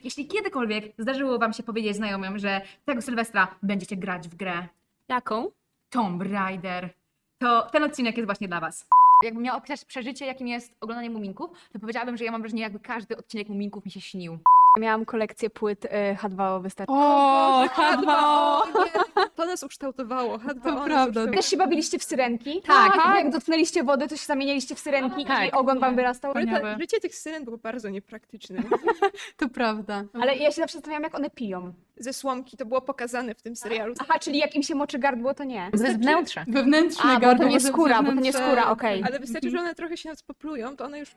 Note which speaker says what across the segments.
Speaker 1: Jeśli kiedykolwiek zdarzyło wam się powiedzieć znajomym, że tego Sylwestra będziecie grać w grę
Speaker 2: Jaką?
Speaker 1: Tomb Raider, to ten odcinek jest właśnie dla was. Jakbym miała opisać przeżycie, jakim jest oglądanie Muminków, to powiedziałabym, że ja mam wrażenie, jakby każdy odcinek Muminków mi się śnił.
Speaker 2: Miałam kolekcję płyt H2O wystarczy.
Speaker 3: O,
Speaker 4: H2O! To nas ukształtowało. H2O
Speaker 3: To
Speaker 4: nas
Speaker 3: prawda.
Speaker 4: ukształtowało.
Speaker 2: Też się bawiliście w syrenki?
Speaker 1: Tak.
Speaker 2: Jak dotknęliście wody, to się zamienialiście w syrenki
Speaker 1: Tak.
Speaker 2: i ogon wam wyrastał?
Speaker 3: Wspaniałe.
Speaker 4: Życie tych syren było bardzo niepraktyczne.
Speaker 3: To prawda.
Speaker 2: Ale ja się zawsze zastanawiam, jak one piją.
Speaker 4: Ze słomki to było pokazane w tym serialu.
Speaker 2: Aha, czyli jak im się moczy gardło, to nie.
Speaker 1: Ze wnętrza.
Speaker 3: Wewnętrzne
Speaker 2: A, bo
Speaker 3: gardło.
Speaker 2: to nie
Speaker 3: może
Speaker 2: skóra, bo to nie
Speaker 3: wewnętrzne-
Speaker 2: skóra, okej.
Speaker 4: Ale wystarczy, że one trochę się nas poplują, to one już...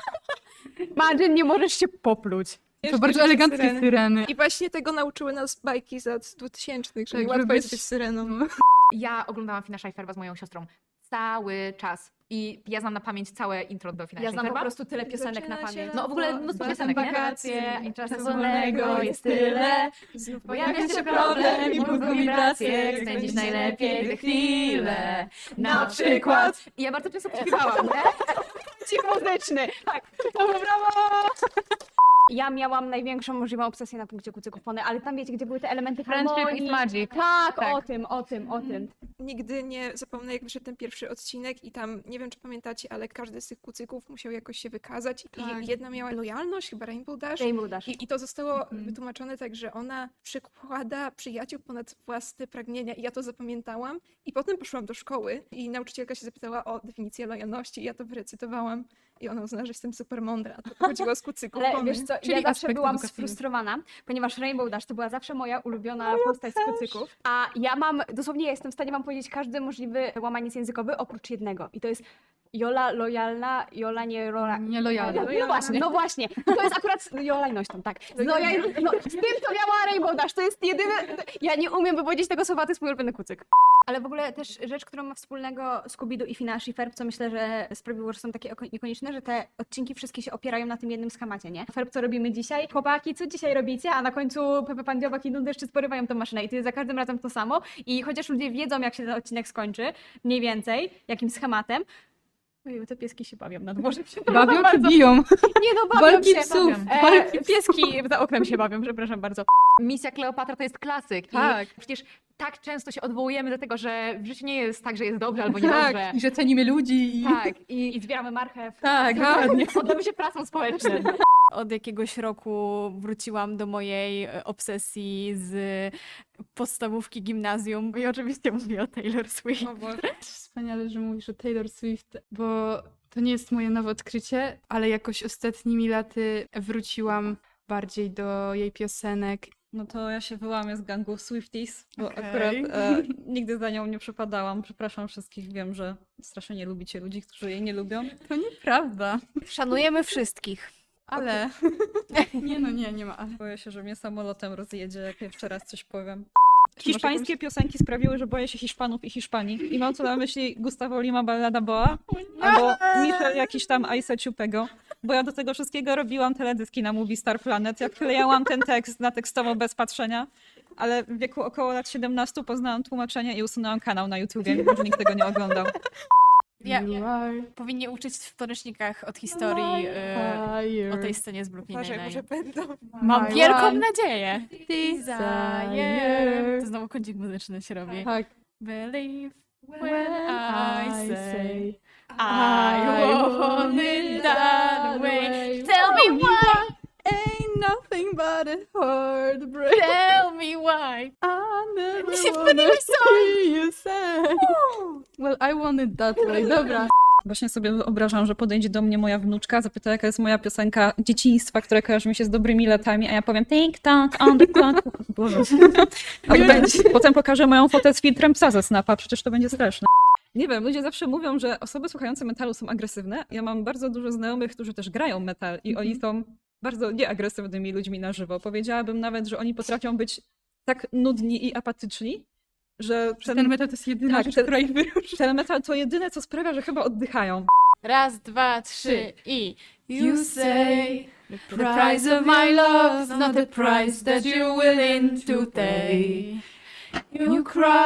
Speaker 2: Margin, nie możesz się popluć.
Speaker 3: To bardzo eleganckie syreny.
Speaker 4: I właśnie tego nauczyły nas bajki z lat 2000, że
Speaker 3: Tak,
Speaker 4: niełatwo
Speaker 3: żeby
Speaker 4: jest
Speaker 3: być-
Speaker 4: być syreną.
Speaker 1: Ja oglądałam Fina Scheiferba z moją siostrą cały czas. I ja znam na pamięć całe intro do Fina
Speaker 2: Ja znam po
Speaker 1: Scheiferba.
Speaker 2: prostu tyle piosenek na
Speaker 4: Zaczyna się
Speaker 2: pamięć.
Speaker 1: No w ogóle mnóstwo
Speaker 4: Batem
Speaker 1: piosenek, nie?
Speaker 4: wakacje
Speaker 2: I czasu
Speaker 4: czasu
Speaker 2: wolnego jest tyle.
Speaker 4: Znów
Speaker 2: Pojawia się problem i mózgu wibracje, spędzić najlepiej te chwile. Na przykład.
Speaker 1: I ja bardzo często śpiewałam, nie?
Speaker 2: Cik muzyczny. Tak. Brawo! Ja miałam największą możliwą obsesję na punkcie kucyków pony, ale tam wiecie, gdzie były te elementy
Speaker 1: Friendship
Speaker 2: harmonii.
Speaker 1: is magic.
Speaker 2: Tak,
Speaker 1: Tak.
Speaker 2: o tym.
Speaker 4: Nigdy nie zapomnę, jak wyszedł ten pierwszy odcinek i tam, nie wiem czy pamiętacie, ale każdy z tych kucyków musiał jakoś się wykazać
Speaker 3: Tak.
Speaker 4: i jedna miała lojalność, chyba Rainbow Dash.
Speaker 2: Rainbow Dash.
Speaker 4: I to zostało wytłumaczone tak, że ona przykłada przyjaciół ponad własne pragnienia i ja to zapamiętałam. I potem poszłam do szkoły i nauczycielka się zapytała o definicję lojalności i ja to wyrecytowałam. I ona uznała, że jestem super mądra, a to chodziło z kucyków.
Speaker 2: Ale
Speaker 4: pony.
Speaker 2: wiesz co,
Speaker 3: Czyli
Speaker 2: ja zawsze
Speaker 3: aspekt
Speaker 2: byłam
Speaker 3: edukacyjny.
Speaker 2: sfrustrowana, ponieważ Rainbow Dash to była zawsze moja ulubiona postać z kucyków. A ja mam, dosłownie ja jestem w stanie wam powiedzieć każdy możliwy łamaniec językowy oprócz jednego. I to jest Jola lojalna, Jola nie rola...
Speaker 3: Nielojalna.
Speaker 2: No właśnie. To jest akurat lojalnością, tak. Z tym, co miała Rainbow Dash, to jest jedyne... Ja nie umiem wypowiedzieć tego słowa, to jest mój ulubiony kucyk. Ale w ogóle też rzecz, którą ma wspólnego Scooby-Doo i Phineas i Ferb, co myślę, że sprawiło, że są takie ikoniczne, że te odcinki wszystkie się opierają na tym jednym schemacie, nie? Ferb, co robimy dzisiaj? Chłopaki, co dzisiaj robicie? A na końcu Pepe Pan, Dziobak i Deszczy sporywają tą maszynę i to jest za każdym razem to samo. I chociaż ludzie wiedzą, jak się ten odcinek skończy, mniej więcej, jakim schematem, ojej, te pieski się bawią na dworze.
Speaker 3: Bawią czy biją?
Speaker 2: Nie no, bawią
Speaker 3: Walki
Speaker 2: się.
Speaker 3: psów.
Speaker 2: Pieski za oknem się bawią, przepraszam bardzo.
Speaker 1: Misja Kleopatra to jest klasyk.
Speaker 3: Tak.
Speaker 1: I przecież tak często się odwołujemy do tego, że w życiu nie jest tak, że jest dobrze albo
Speaker 3: Tak,
Speaker 1: niedobrze.
Speaker 3: i że cenimy ludzi i...
Speaker 1: Tak.
Speaker 2: I zbieramy marchew.
Speaker 3: Tak, dokładnie.
Speaker 1: Poddamy się pracą społeczną.
Speaker 2: Od jakiegoś roku wróciłam do mojej obsesji z podstawówki gimnazjum i oczywiście mówię o Taylor Swift.
Speaker 4: O Boże.
Speaker 3: Wspaniale, że mówisz o Taylor Swift, bo to nie jest moje nowe odkrycie, ale jakoś ostatnimi laty wróciłam bardziej do jej piosenek.
Speaker 5: No to ja się wyłamię z gangu Swifties, bo
Speaker 3: Okej.
Speaker 5: akurat nigdy za nią nie przepadałam. Przepraszam wszystkich, wiem, że strasznie nie lubicie ludzi, którzy jej nie lubią.
Speaker 3: To nieprawda,
Speaker 2: Szanujemy wszystkich.
Speaker 3: ale... Nie ma ale.
Speaker 5: Boję się, że mnie samolotem rozjedzie, jak jeszcze raz coś powiem.
Speaker 3: Czy masz
Speaker 5: Hiszpańskie piosenki sprawiły, że boję się Hiszpanów i Hiszpanii. I mam tu na myśli Gustavo Lima Ballada Boa albo Michel jakiś tam Aisa Ciupego. Bo ja do tego wszystkiego robiłam teledyski na Movie Star Planet. Ja wklejałam ten tekst na tekstowo bez patrzenia, ale w wieku około lat 17 poznałam tłumaczenie i usunęłam kanał na YouTubie, mimo że nikt tego nie oglądał.
Speaker 3: You are
Speaker 2: Powinni uczyć w podręcznikach od historii
Speaker 3: fire.
Speaker 2: o tej scenie z Brooklyn
Speaker 4: Uważaj,
Speaker 2: Nine-Nine.
Speaker 4: może będą.
Speaker 2: Mam
Speaker 3: My
Speaker 2: wielką
Speaker 3: one
Speaker 2: nadzieję.
Speaker 3: desire.
Speaker 2: To znowu kącik muzyczny się robi.
Speaker 3: Tak.
Speaker 2: Believe
Speaker 3: When I say
Speaker 2: I want it that way. Tell me why,
Speaker 3: ain't nothing but a heartbreak.
Speaker 2: tell me why.
Speaker 3: I never
Speaker 2: Się
Speaker 3: wanna
Speaker 2: wpłyniłeś
Speaker 3: see you say. Well, I want it that way. Dobra.
Speaker 5: Właśnie sobie wyobrażam, że podejdzie do mnie moja wnuczka, zapyta, jaka jest moja piosenka dzieciństwa, która kojarzy mi się z dobrymi latami, a ja powiem TikTok on the clock. Boże. Potem pokażę moją fotę z filtrem psa ze Snapa, przecież to będzie straszne. Nie wiem, ludzie zawsze mówią, że osoby słuchające metalu są agresywne. Ja mam bardzo dużo znajomych, którzy też grają metal i oni są bardzo nieagresywnymi ludźmi na żywo. Powiedziałabym nawet, że oni potrafią być tak nudni i apatyczni, że
Speaker 3: Ten metal to jest jedyna
Speaker 5: Tak,
Speaker 3: rzecz,
Speaker 5: ten-
Speaker 3: która ich wyróżnia.
Speaker 5: ten metal to jedyne, co sprawia, że chyba oddychają.
Speaker 2: Raz, dwa, trzy i you say the price of my love's not the price that you're willing to pay. You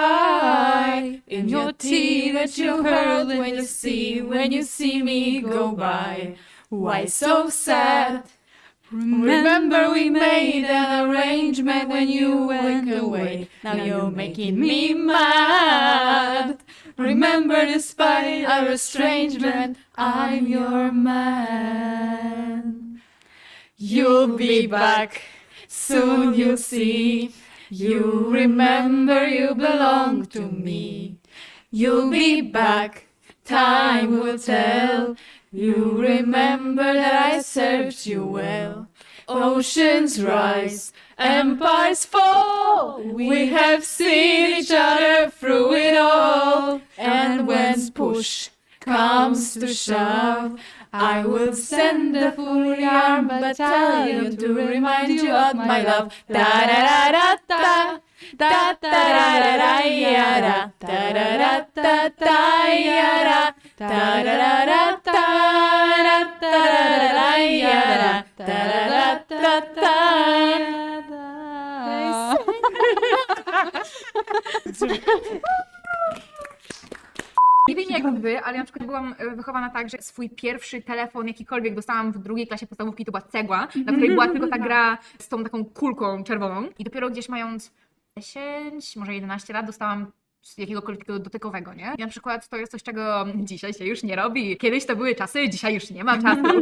Speaker 2: cry in your tea that you heard when you see me go by. Why so sad?
Speaker 3: Remember we made an arrangement when you went away. Now you're making me mad. Remember despite our estrangement, I'm your man. You'll be back, soon you'll see. You remember you belong to me. You'll be back, time will tell. You remember that I served you well. Oceans rise, empires fall. We have seen each other through it all. And when push comes to shove, I will send a fully armed battalion to remind you of my love. Da da da da da da da da da yada da da da da da yada da da da da da da da yada da da da da
Speaker 1: Nie wiem jak wy, ale ja na przykład byłam wychowana tak, że swój pierwszy telefon jakikolwiek dostałam w drugiej klasie podstawówki, to była cegła, na której była tylko ta gra z tą taką kulką czerwoną. I dopiero gdzieś mając 10, może 11 lat dostałam jakiegokolwiek takiego dotykowego, nie? I na przykład to jest coś, czego dzisiaj się już nie robi. Kiedyś to były czasy, dzisiaj już nie ma czasu.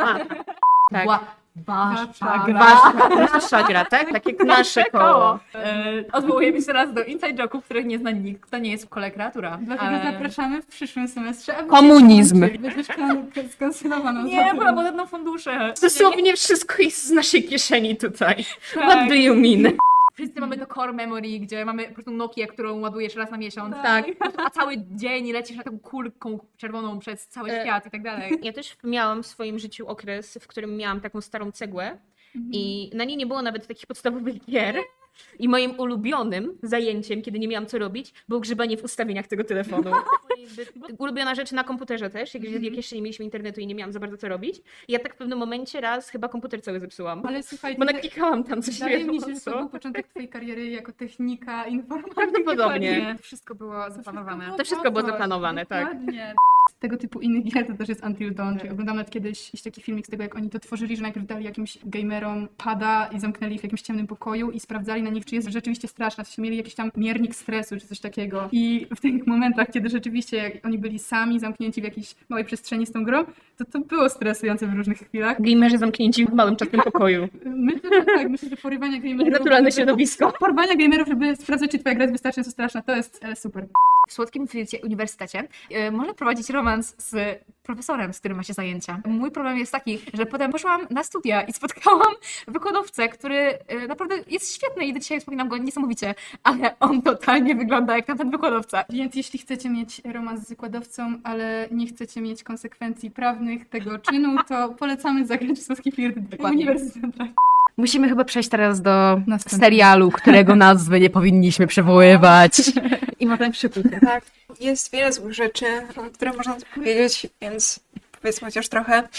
Speaker 6: Tak.
Speaker 1: Wasza gra.
Speaker 6: Nasza gra, tak? Tak jak nasze koło.
Speaker 1: Odwołujemy się teraz do inside joke'ów, których nie zna nikt, kto nie jest w kole kreatura.
Speaker 3: Dlatego zapraszamy w przyszłym semestrze. aby
Speaker 6: Komunizm.
Speaker 3: Będziesz skancelowaną.
Speaker 1: Nie, bo będą fundusze.
Speaker 6: Dosłownie wszystko jest z naszej kieszeni tutaj.
Speaker 1: Tak.
Speaker 6: What do you mean?
Speaker 1: Wszyscy mamy to core memory, gdzie mamy po prostu Nokię, którą ładujesz raz na miesiąc.
Speaker 6: Tak.
Speaker 1: A cały dzień lecisz na taką kulką czerwoną przez cały świat i tak dalej.
Speaker 6: Ja też miałam w swoim życiu okres, w którym miałam taką starą cegłę i na niej nie było nawet takich podstawowych gier. I moim ulubionym zajęciem, kiedy nie miałam co robić, było grzebanie w ustawieniach tego telefonu. Ulubiona rzecz na komputerze też, jak jeszcze nie mieliśmy internetu i nie miałam za bardzo co robić. I ja tak w pewnym momencie raz chyba komputer cały zepsułam.
Speaker 3: Ale słuchaj,
Speaker 6: Bo naklikałam tam coś
Speaker 3: wydaje
Speaker 6: nie
Speaker 3: mi
Speaker 6: wiem
Speaker 3: się, że
Speaker 6: co.
Speaker 3: to był początek twojej kariery jako technika informatyki.
Speaker 6: Prawdopodobnie.
Speaker 1: Wszystko było zaplanowane.
Speaker 6: To wszystko było zaplanowane, tak.
Speaker 3: Dokładnie. Z tego typu innych gier to też jest Until Dawn. Czyli oglądam nawet kiedyś jakiś taki filmik z tego, jak oni to tworzyli, że najpierw dali jakimś gamerom pada i zamknęli ich w jakimś ciemnym pokoju i sprawdzali na nich, czy jest rzeczywiście straszna, czy mieli jakiś tam miernik stresu, czy coś takiego. I w tych momentach, kiedy rzeczywiście jak oni byli sami zamknięci w jakiejś małej przestrzeni z tą grą, to było stresujące w różnych chwilach.
Speaker 6: Gamerzy zamknięci w małym czarnym pokoju.
Speaker 3: Myślę, że tak, myślę, że porywanie gamerów...
Speaker 6: Naturalne środowisko.
Speaker 3: Porwania gamerów, żeby sprawdzać, czy twoja gra jest wystarczająco straszna, to jest super.
Speaker 1: W Słodkim Filcie Uniwersytecie można prowadzić romans z profesorem, z którym ma się zajęcia. Mój problem jest taki, że potem poszłam na studia i spotkałam wykładowcę, który naprawdę jest świetny i do dzisiaj wspominam go niesamowicie, ale on totalnie wygląda jak tamten wykładowca.
Speaker 3: Więc jeśli chcecie mieć romans z wykładowcą, ale nie chcecie mieć konsekwencji prawnych tego czynu, to polecamy zagrać w Słodki Flirt Uniwersytet.
Speaker 6: Musimy chyba przejść teraz do
Speaker 3: Następny.
Speaker 6: serialu, którego nazwy nie powinniśmy przywoływać.
Speaker 1: I ma ten przypój.
Speaker 4: Tak, jest wiele złych rzeczy, które można tu powiedzieć, więc powiedzmy chociaż trochę.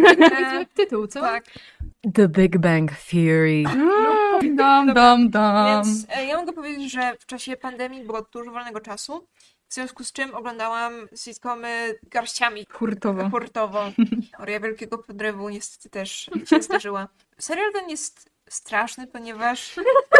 Speaker 3: Tytuł, co?
Speaker 4: Tak,
Speaker 6: The Big Bang Theory.
Speaker 3: Dom.
Speaker 4: więc ja mogę powiedzieć, że w czasie pandemii było dużo wolnego czasu, w związku z czym oglądałam sitcomy garściami.
Speaker 3: Hurtowo.
Speaker 4: Hurtowo. Teoria Wielkiego Podrywu niestety też się zdarzyła. Serial ten jest straszny, ponieważ...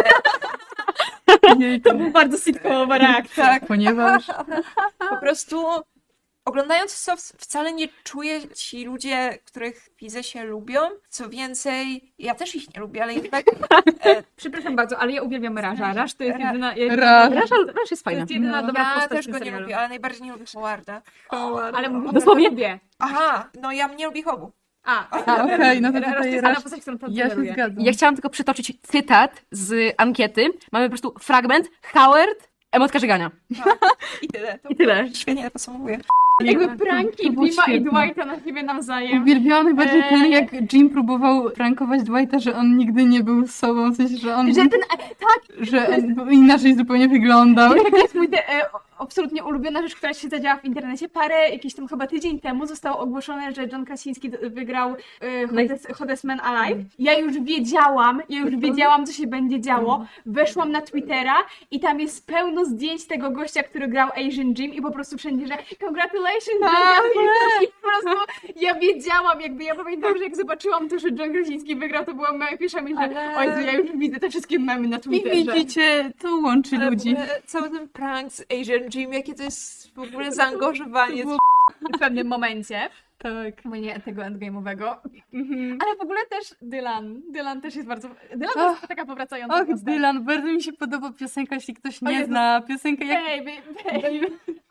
Speaker 6: To była bardzo sitcomowa reakcja.
Speaker 4: Tak,
Speaker 3: Ponieważ...
Speaker 4: po prostu oglądając to wcale nie czuję ci ludzie, których widzę, się lubią. Co więcej, ja też ich nie lubię, ale jednak...
Speaker 1: Przepraszam bardzo, ale ja uwielbiam Raża. Raż to jest jedyna...
Speaker 3: Raż
Speaker 6: jest fajna.
Speaker 1: To jest jedyna dobra
Speaker 4: Ja
Speaker 1: postać
Speaker 4: też
Speaker 1: w tym
Speaker 4: go nie
Speaker 1: serialu.
Speaker 4: lubię, ale najbardziej nie lubię Howarda.
Speaker 1: Ale mówię
Speaker 6: Dosłownie.
Speaker 1: lubię.
Speaker 4: Aha, no ja nie lubię Hobu.
Speaker 3: Okej, no to
Speaker 1: Raż to
Speaker 3: tutaj
Speaker 1: jest
Speaker 3: Raż...
Speaker 1: jedna postać, którą tam
Speaker 3: Ja się
Speaker 1: lubię.
Speaker 3: zgadzam.
Speaker 6: Ja chciałam tylko przytoczyć cytat z ankiety. Mamy po prostu fragment, Howard, emotka żegania.
Speaker 4: I tyle. To
Speaker 6: I tyle.
Speaker 4: świetnie to podsumowuje.
Speaker 1: Jakby pranki
Speaker 3: To było
Speaker 1: Bima i
Speaker 3: świetne.
Speaker 1: Dwighta na siebie nawzajem.
Speaker 3: Uwielbiałam najbardziej ten, jak Jim próbował prankować Dwighta, że on nigdy nie był sobą, w sensie, że on...
Speaker 1: Że ten,
Speaker 3: że on inaczej zupełnie wyglądał.
Speaker 1: jaki jest mój
Speaker 2: absolutnie ulubiona rzecz, która się zadziała w internecie. Parę, jakieś tam chyba tydzień temu zostało ogłoszone, że John Krasinski wygrał Hottest Man Alive. Ja już wiedziałam, co się będzie działo. Weszłam na Twittera i tam jest pełno zdjęć tego gościa, który grał Asian Jim i po prostu wszędzie, że congratulations, John Krasinski. I po prostu ja wiedziałam, ja pamiętam, że jak zobaczyłam to, że John Krasinski wygrał, to była moja pierwsza myśl, że o Jezu, ja już widzę te wszystkie memy na
Speaker 3: I
Speaker 2: Twitterze.
Speaker 3: widzicie, to łączy ludzi.
Speaker 4: Cały ten prank z Asian Jim, jakie to jest w ogóle zaangażowanie.
Speaker 2: W pewnym momencie.
Speaker 3: Tak.
Speaker 2: Nie tego endgame'owego. Ale w ogóle też Dylan też jest bardzo... Dylan to jest taka powracająca
Speaker 3: Och,
Speaker 2: postać.
Speaker 3: Dylan, bardzo mi się podoba piosenka, jeśli ktoś nie
Speaker 2: Jezu.
Speaker 3: zna. Piosenka jak...
Speaker 2: Baby.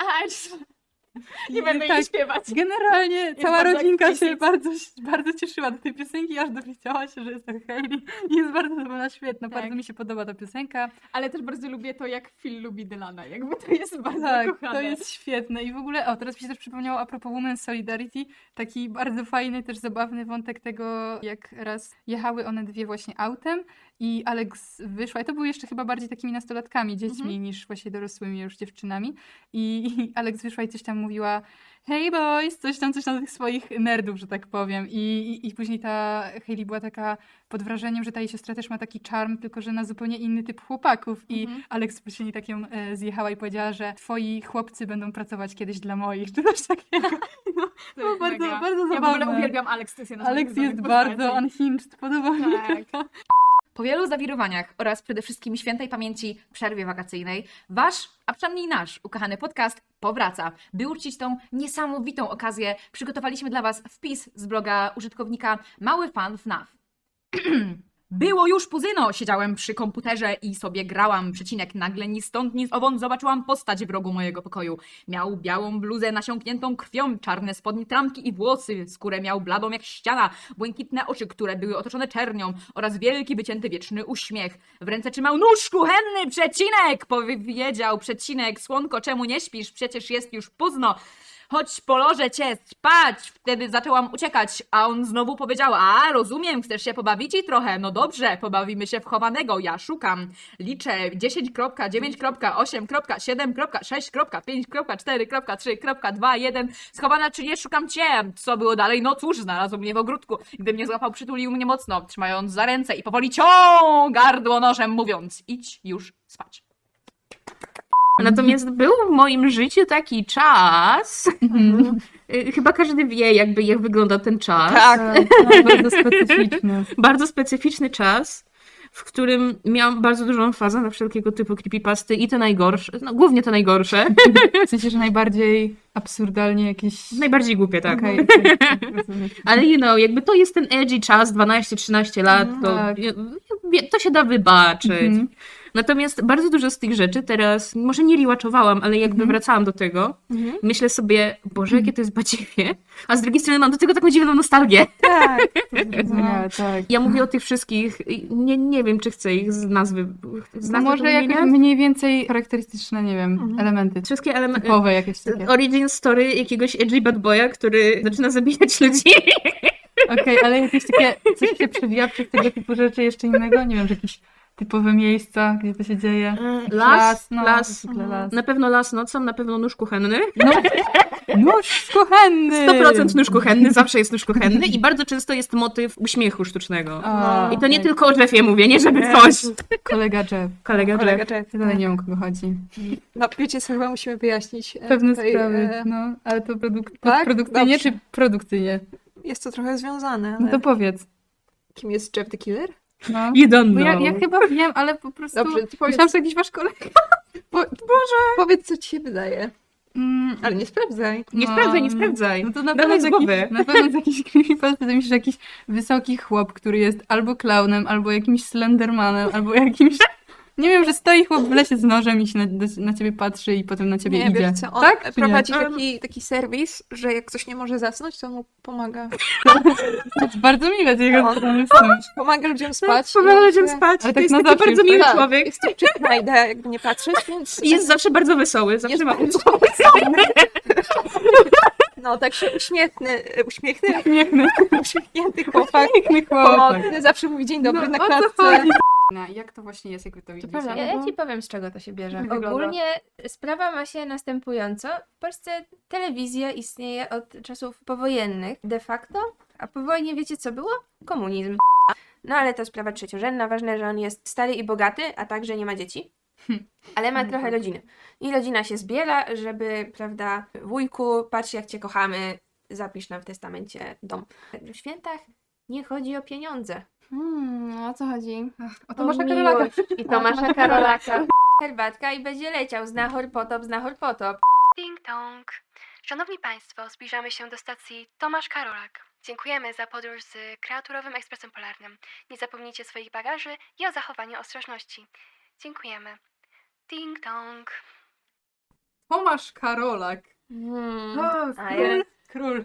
Speaker 2: Nie będę
Speaker 3: tak.
Speaker 2: jej śpiewać.
Speaker 3: Generalnie cała
Speaker 2: bardzo
Speaker 3: rodzinka się
Speaker 2: explicit.
Speaker 3: bardzo cieszyła do tej piosenki, aż dowiedziała się, że jest to Hailey. I jest bardzo dobra, świetna.
Speaker 2: Tak.
Speaker 3: Bardzo mi się podoba ta piosenka.
Speaker 2: Ale też bardzo lubię to, jak Phil lubi Dylana. Jakby to jest bardzo
Speaker 3: Tak,
Speaker 2: kochane.
Speaker 3: to jest świetne. I w ogóle, teraz mi się też przypomniało a propos Women's Solidarity, taki bardzo fajny, też zabawny wątek tego, jak raz jechały one dwie właśnie autem i Alex wyszła, i to były jeszcze chyba bardziej takimi nastolatkami, dziećmi, niż właśnie dorosłymi już dziewczynami. I Alex wyszła i coś tam mówiła: hey boys, coś tam do tych swoich nerdów, że tak powiem. I później ta Hailey była taka pod wrażeniem, że ta jej siostra też ma taki czarm, tylko że na zupełnie inny typ chłopaków. I Alex później tak ją zjechała i powiedziała, że twoi chłopcy będą pracować kiedyś dla moich, czy coś takiego. No,
Speaker 2: To jest
Speaker 3: bardzo,
Speaker 2: mega.
Speaker 3: bardzo
Speaker 2: Ja w
Speaker 3: zabawne.
Speaker 2: ogóle uwielbiam Alex, to jest jedna z
Speaker 3: Alex
Speaker 2: moich
Speaker 3: jest
Speaker 2: ulubionych
Speaker 3: bardzo
Speaker 2: postaci.
Speaker 3: unhinged, podoba mi
Speaker 2: Tak.
Speaker 3: się to.
Speaker 1: Po wielu zawirowaniach oraz przede wszystkim świętej pamięci przerwie wakacyjnej, wasz, a przynajmniej nasz ukochany podcast powraca. By uczcić tą niesamowitą okazję, przygotowaliśmy dla was wpis z bloga użytkownika Mały Fan FNAF. Było już późno, siedziałem przy komputerze i sobie grałam, przecinek, nagle ni stąd, ni owąd zobaczyłam postać w rogu mojego pokoju. Miał białą bluzę nasiąkniętą krwią, czarne spodnie, trampki i włosy, skórę miał bladą jak ściana, błękitne oczy, które były otoczone czernią oraz wielki, wycięty, wieczny uśmiech. W ręce trzymał nóż kuchenny, przecinek, powiedział przecinek, słonko, czemu nie śpisz, przecież jest już późno. Chodź, polożę cię spać. Wtedy zaczęłam uciekać, a on znowu powiedział: a, rozumiem, chcesz się pobawić i trochę. No dobrze, pobawimy się w chowanego. Ja szukam. Liczę 10.9.8.7.6.5.4.3.2.1. Schowana czy nie, szukam cię. Co było dalej? No cóż, znalazł mnie w ogródku. Gdy mnie złapał, przytulił mnie mocno, trzymając za ręce i powoli ciął gardło nożem, mówiąc: idź już spać.
Speaker 6: Natomiast był w moim życiu taki czas, chyba każdy wie jakby jak wygląda ten czas.
Speaker 3: Tak, bardzo specyficzny.
Speaker 6: Bardzo specyficzny czas, w którym miałam bardzo dużą fazę na wszelkiego typu creepypasty i te najgorsze, no głównie te najgorsze,
Speaker 3: W sensie, że najbardziej absurdalnie jakieś...
Speaker 6: najbardziej głupie, tak.
Speaker 3: Okej, rozumiem.
Speaker 6: Ale jakby to jest ten edgy czas, 12-13 lat, to,
Speaker 3: tak.
Speaker 6: to się da wybaczyć.
Speaker 3: Mhm.
Speaker 6: Natomiast bardzo dużo z tych rzeczy teraz, może nie rewatchowałam, ale jakby wracałam do tego, myślę sobie: Boże, jakie to jest badziewie, a z drugiej strony mam do tego taką dziwną nostalgię.
Speaker 3: Tak, zrozumiałe, tak.
Speaker 6: Ja mówię o tych wszystkich, nie wiem, czy chcę ich z nazwy
Speaker 3: To może jakoś
Speaker 6: wymieniać.
Speaker 3: mniej więcej charakterystyczne, nie wiem, elementy
Speaker 6: Wszystkie elementy.
Speaker 3: typowe jakieś takie.
Speaker 6: Origin story jakiegoś edgy bad boya, który zaczyna zabijać ludzi.
Speaker 3: Okej, ale jakieś takie, coś się przewija przez tego typu rzeczy jeszcze innego? Nie wiem, że jakieś typowe miejsca, gdzie to się dzieje?
Speaker 6: Las.
Speaker 3: zwykle las.
Speaker 6: Na pewno las nocą, na pewno nóż kuchenny.
Speaker 3: No, nóż kuchenny!
Speaker 6: 100% nóż kuchenny, zawsze jest nóż kuchenny i bardzo często jest motyw uśmiechu sztucznego.
Speaker 3: A,
Speaker 6: I to nie
Speaker 3: tak.
Speaker 6: tylko o Jeffie mówię, nie żeby coś.
Speaker 3: Kolega Jeff.
Speaker 6: Kolega Jeff.
Speaker 4: Jeff.
Speaker 3: Ja dalej nie wiem, o kogo chodzi.
Speaker 4: No wiecie co, chyba musimy wyjaśnić.
Speaker 3: Pewne
Speaker 4: tutaj,
Speaker 3: sprawy, no, ale to
Speaker 4: tak?
Speaker 3: produkcyjnie
Speaker 4: Dobrze.
Speaker 3: czy produkcyjnie?
Speaker 4: Jest to trochę związane,
Speaker 3: No
Speaker 4: ale
Speaker 3: to powiedz.
Speaker 4: kim jest Jeff the Killer?
Speaker 3: No.
Speaker 6: You don't
Speaker 3: Bo
Speaker 6: know.
Speaker 3: ja chyba wiem, ale po prostu
Speaker 4: Dobrze, ty powiedz,
Speaker 3: myślałam, że jakiś wasz kolega.
Speaker 4: powiedz co ci się wydaje.
Speaker 3: Mm,
Speaker 4: Ale nie sprawdzaj.
Speaker 6: Nie
Speaker 3: no,
Speaker 6: sprawdzaj, nie sprawdzaj.
Speaker 3: No to na
Speaker 6: Dawaj
Speaker 3: pewno
Speaker 6: z
Speaker 3: jest
Speaker 6: głowy.
Speaker 3: jakiś, na pewno jest jakiś creepypasta, to myślisz, że jakiś wysoki chłop, który jest albo klaunem, albo jakimś slendermanem, albo jakimś... Nie wiem, że stoi chłop w lesie z nożem i się na ciebie patrzy i potem na ciebie
Speaker 4: Nie,
Speaker 3: idzie.
Speaker 4: wiesz co, on
Speaker 3: tak? Czy nie?
Speaker 4: prowadzi taki serwis, że jak ktoś nie może zasnąć, to on mu pomaga.
Speaker 3: To jest bardzo miłe z jego
Speaker 4: On-
Speaker 3: strony w sumie.
Speaker 4: Pomaga ludziom spać.
Speaker 6: Pomaga
Speaker 4: i
Speaker 6: ludziom
Speaker 4: on-
Speaker 6: spać.
Speaker 3: Ale
Speaker 6: To
Speaker 3: tak
Speaker 6: jest
Speaker 3: na
Speaker 6: taki
Speaker 3: zawsze
Speaker 6: bardzo
Speaker 3: już
Speaker 6: miły
Speaker 4: Tak,
Speaker 6: człowiek.
Speaker 4: jest to wczesna idea, jakby nie patrzeć, więc
Speaker 6: I jest zawsze bardzo wesoły. Zawsze
Speaker 4: jest
Speaker 6: ma
Speaker 4: bardzo No, tak się uśmiechnięty
Speaker 3: Piękny
Speaker 4: chłopak.
Speaker 3: chłopak.
Speaker 4: Zawsze mówi dzień dobry
Speaker 3: No,
Speaker 4: na
Speaker 3: o co
Speaker 4: klatce.
Speaker 3: chodzi? Jak to właśnie jest, jak wy to widzicie?
Speaker 2: prawda.
Speaker 7: Ja ci powiem, z czego to się bierze.
Speaker 3: Wygląda.
Speaker 7: Ogólnie sprawa ma się następująco. W Polsce telewizja istnieje od czasów powojennych de facto, a po wojnie wiecie co było? Komunizm. No ale to sprawa trzeciorzędna. Ważne, że on jest stary i bogaty, a także nie ma dzieci. Ale ma trochę rodziny. I rodzina się zbiera, żeby, prawda, wujku, patrz jak cię kochamy, zapisz nam w testamencie dom. W świętach nie chodzi o pieniądze.
Speaker 2: O co chodzi?
Speaker 3: O Tomasza Karolaka.
Speaker 7: miłość i Tomasza Karolaka. Herbatka i będzie leciał. Znachor potop, znachor potop.
Speaker 8: Ding dong. Szanowni Państwo, zbliżamy się do stacji Tomasz Karolak. Dziękujemy za podróż z kreaturowym ekspresem polarnym. Nie zapomnijcie swoich bagaży i o zachowaniu ostrożności. Dziękujemy. Ding dong.
Speaker 3: Tomasz Karolak.
Speaker 7: A ja-
Speaker 3: Król.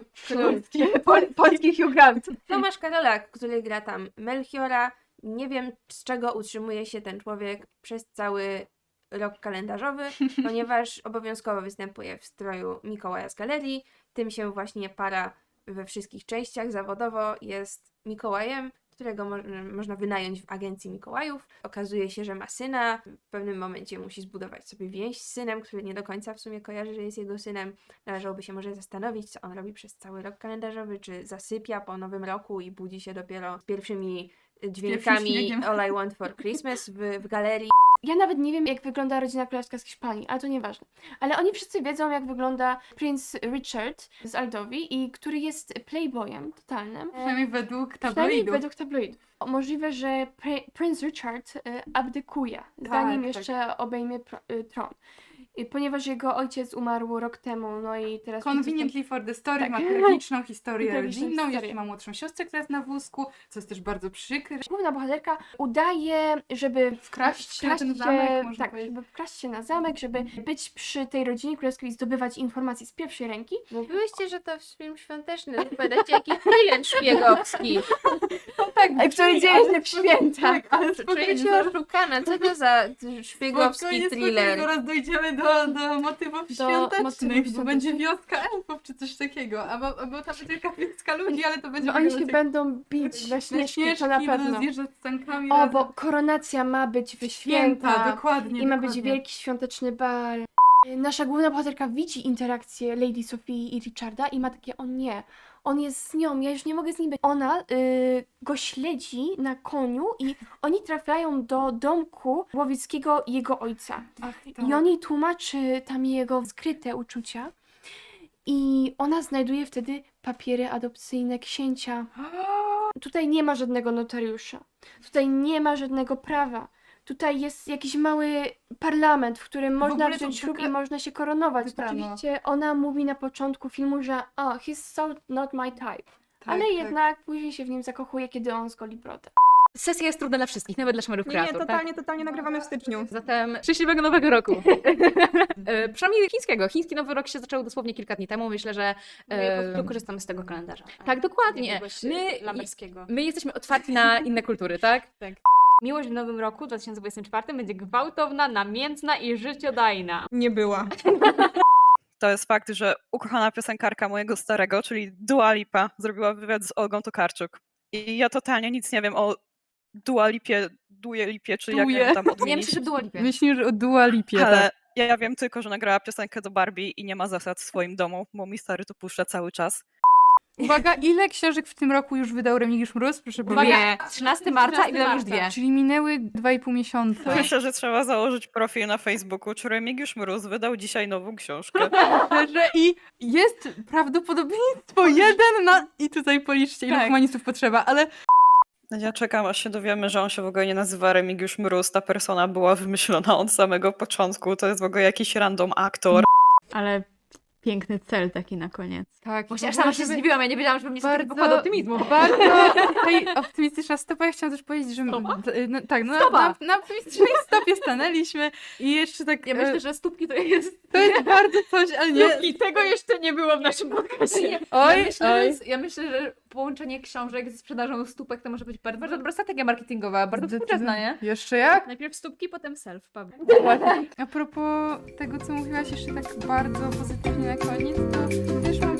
Speaker 2: Polski Hugh Grant.
Speaker 7: Tomasz Karolak, który gra tam Melchiora. Nie wiem, z czego utrzymuje się ten człowiek przez cały rok kalendarzowy, ponieważ obowiązkowo występuje w stroju Mikołaja z galerii. Tym się właśnie para we wszystkich częściach. Zawodowo jest Mikołajem, którego można wynająć w agencji Mikołajów. Okazuje się, że ma syna. W pewnym momencie musi zbudować sobie więź z synem, który nie do końca w sumie kojarzy, że jest jego synem. Należałoby się może zastanowić, co on robi przez cały rok kalendarzowy, czy zasypia po nowym roku i budzi się dopiero z pierwszymi dźwiękami
Speaker 3: śniegiem.
Speaker 7: All I Want for Christmas w galerii.
Speaker 2: Ja nawet nie wiem, jak wygląda rodzina królewska z Hiszpanii, ale to nieważne. Ale oni wszyscy wiedzą, jak wygląda Prince Richard z Aldowi, i który jest playboyem totalnym.
Speaker 3: Przynajmniej według
Speaker 2: Przynajmniej
Speaker 3: tabloidów.
Speaker 2: według tabloidów. Możliwe, że Prince Richard abdykuje, zanim
Speaker 3: tak.
Speaker 2: jeszcze obejmie tron. Ponieważ jego ojciec umarł rok temu, no i teraz...
Speaker 3: Conveniently for the story
Speaker 2: Tak.
Speaker 3: ma tragiczną historię
Speaker 2: Tragiczną
Speaker 3: rodzinną,
Speaker 2: historię.
Speaker 3: jeszcze ma młodszą siostrę, która jest na wózku, co jest też bardzo przykre.
Speaker 2: Główna bohaterka udaje, żeby
Speaker 3: Wkraść się na ten zamek, można
Speaker 2: tak,
Speaker 3: powiedzieć.
Speaker 2: żeby wkraść się na zamek, żeby być przy tej rodzinie królewskiej i zdobywać informacje z pierwszej ręki.
Speaker 7: Mówiłyście, że to film świąteczny. Zapowiadacie jakiś thriller szpiegowski.
Speaker 2: Który dzieje się w święta.
Speaker 3: Tak, ale
Speaker 7: Czuję się oszukana. Co to za szpiegowski thriller?
Speaker 3: Zaraz dojdziemy do motywów świątecznych,
Speaker 2: motywów
Speaker 3: bo będzie wioska elfów czy coś takiego, albo tam będzie taka wioska ludzi, ale to będzie
Speaker 2: Bo oni się
Speaker 3: wyglądać jak
Speaker 2: będą bić we śnieżki, to na
Speaker 3: śnieżki,
Speaker 2: pewno.
Speaker 3: będą zjeżdżać z sankami
Speaker 2: O,
Speaker 3: razem.
Speaker 2: bo koronacja ma być w
Speaker 3: Święta,
Speaker 2: święta.
Speaker 3: dokładnie.
Speaker 2: I ma
Speaker 3: dokładnie.
Speaker 2: być wielki świąteczny bal. Nasza główna bohaterka widzi interakcję Lady Sophie i Richarda i ma takie, o nie, on jest z nią, ja już nie mogę z nim być. Ona go śledzi na koniu i oni trafiają do domku łowieckiego jego ojca.
Speaker 3: Ach,
Speaker 2: I
Speaker 3: tak.
Speaker 2: on jej tłumaczy tam jego skryte uczucia i ona znajduje wtedy papiery adopcyjne księcia. Tutaj nie ma żadnego notariusza. Tutaj nie ma żadnego prawa. Tutaj jest jakiś mały parlament, w którym można
Speaker 3: ogóle to
Speaker 2: wziąć ślub
Speaker 3: taka-
Speaker 2: i można się koronować.
Speaker 3: Wybrano.
Speaker 2: Oczywiście ona mówi na początku filmu, że he's so not my type.
Speaker 3: Tak,
Speaker 2: Ale
Speaker 3: tak.
Speaker 2: jednak później się w nim zakochuje, kiedy on zgoli brodę.
Speaker 1: Sesja jest trudna dla wszystkich, nawet dla szmerów kreatur,
Speaker 9: Totalnie nagrywamy w styczniu.
Speaker 1: Zatem szczęśliwego nowego roku. Przynajmniej chińskiego. Chiński nowy rok się zaczął dosłownie kilka dni temu. Myślę, że
Speaker 5: Ja po prostu korzystam z tego kalendarza.
Speaker 1: tak, dokładnie.
Speaker 5: Jakiegoś lamberskiego.
Speaker 1: My jesteśmy otwarci na inne kultury, tak?
Speaker 5: Tak.
Speaker 1: Miłość w nowym roku 2024 będzie gwałtowna, namiętna i życiodajna.
Speaker 9: Nie była.
Speaker 10: To jest fakt, że ukochana piosenkarka mojego starego, czyli Dua Lipa, zrobiła wywiad z Olgą Tokarczuk. I ja totalnie nic nie wiem o Dua Lipie, czy jak ją tam
Speaker 1: Nie
Speaker 10: odmienić.
Speaker 1: myślę, że Dua Lipie.
Speaker 3: Myślisz o Dua Lipie,
Speaker 10: Ale
Speaker 3: tak.
Speaker 10: ja wiem tylko, że nagrała piosenkę do Barbie i nie ma zasad w swoim domu, bo mi stary to puszcza cały czas.
Speaker 3: Uwaga, ile książek w tym roku już wydał Remigiusz Mróz? Proszę powiedzieć.
Speaker 1: Dwie. 13 marca i wydał już dwie.
Speaker 3: Czyli minęły 2,5 miesiąca.
Speaker 10: Myślę, że trzeba założyć profil na Facebooku, czy Remigiusz Mróz wydał dzisiaj nową książkę.
Speaker 3: Że i jest prawdopodobieństwo 1 na... I tutaj policzcie, ile
Speaker 1: Tak.
Speaker 3: humanistów potrzeba, ale
Speaker 10: Ja czekam, aż się dowiemy, że on się w ogóle nie nazywa Remigiusz Mróz. Ta persona była wymyślona od samego początku. To jest w ogóle jakiś random aktor.
Speaker 5: Ale piękny cel taki na koniec.
Speaker 3: tak.
Speaker 1: Właśnie aż sama się zdziwiłam, ja nie wiedziałam, że mnie
Speaker 3: Bardzo-
Speaker 1: bardzo pokłada optymizmu.
Speaker 3: Bardzo tutaj optymistyczna stopa. Ja chciałam też powiedzieć, że... No, tak, no, na optymistycznej stopie stanęliśmy i jeszcze tak...
Speaker 1: Ja myślę, że stópki to jest...
Speaker 3: to jest bardzo coś, ale nie...
Speaker 1: I tego jeszcze nie było w naszym podcastie.
Speaker 3: Oj,
Speaker 1: Ja myślę, że połączenie książek ze sprzedażą stópek to może być bardzo, bardzo dobra strategia marketingowa, bardzo współczesna, nie?
Speaker 3: Jeszcze jak?
Speaker 5: Najpierw stópki, potem self.
Speaker 3: A propos tego, co mówiłaś jeszcze tak bardzo pozytywnie na koniec, to też mam